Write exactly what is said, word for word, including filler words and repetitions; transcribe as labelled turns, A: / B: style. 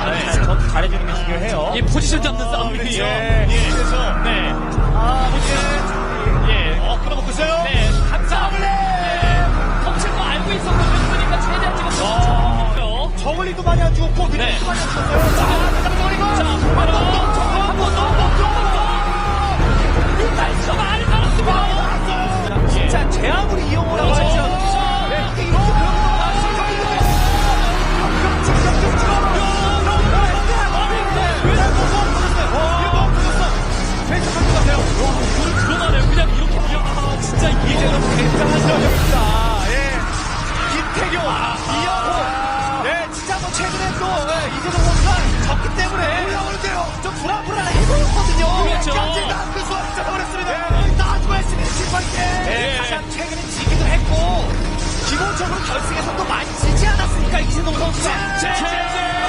A: 네. 전 잘해주는 게 중요해요.
B: 이 포지션 잡는 싸움이죠.
A: 예.
B: 예.
A: 그래서
B: 네.
A: 아, 이게
B: 예.
A: 어, 끌어먹고 있어요.
B: 네. 항상 예. 덮칠 거 알고 있었거든요. 그러니까 최대한 지금 어.
A: 저글링도 많이 안 죽었고
B: 네.
A: 미니도 많이 안 죽었어요.
B: 자,
A: 자, 저글링은
B: 자,
A: 한번 더, 한 번 더, 한 번 더.
B: 날씨가 많이 달았습니다.
A: 진짜 제 아무리 이용을 하고
B: 그렇죠.
A: 하죠. 네, 이게 이렇게 그런 거 다시
B: 그러나요? 그냥 이렇게 그냥 아, 진짜 이게
A: 너무 굉장한 전력입니다. 예. 김태경, 이영호. 네, 진짜 뭐 최근에 또 예, 이재동 선수가 졌기 때문에 올라오는데요. 좀 불안불안해 보였거든요.
B: 그렇죠.
A: 경쟁다 그 수업 잡아버렸습니다. 나중에 했으면 실패할게. 네, 가장 최근에 지기도 했고 기본적으로 결승에서도 많이 지지 않았으니까 이재동 선수가.
B: 제제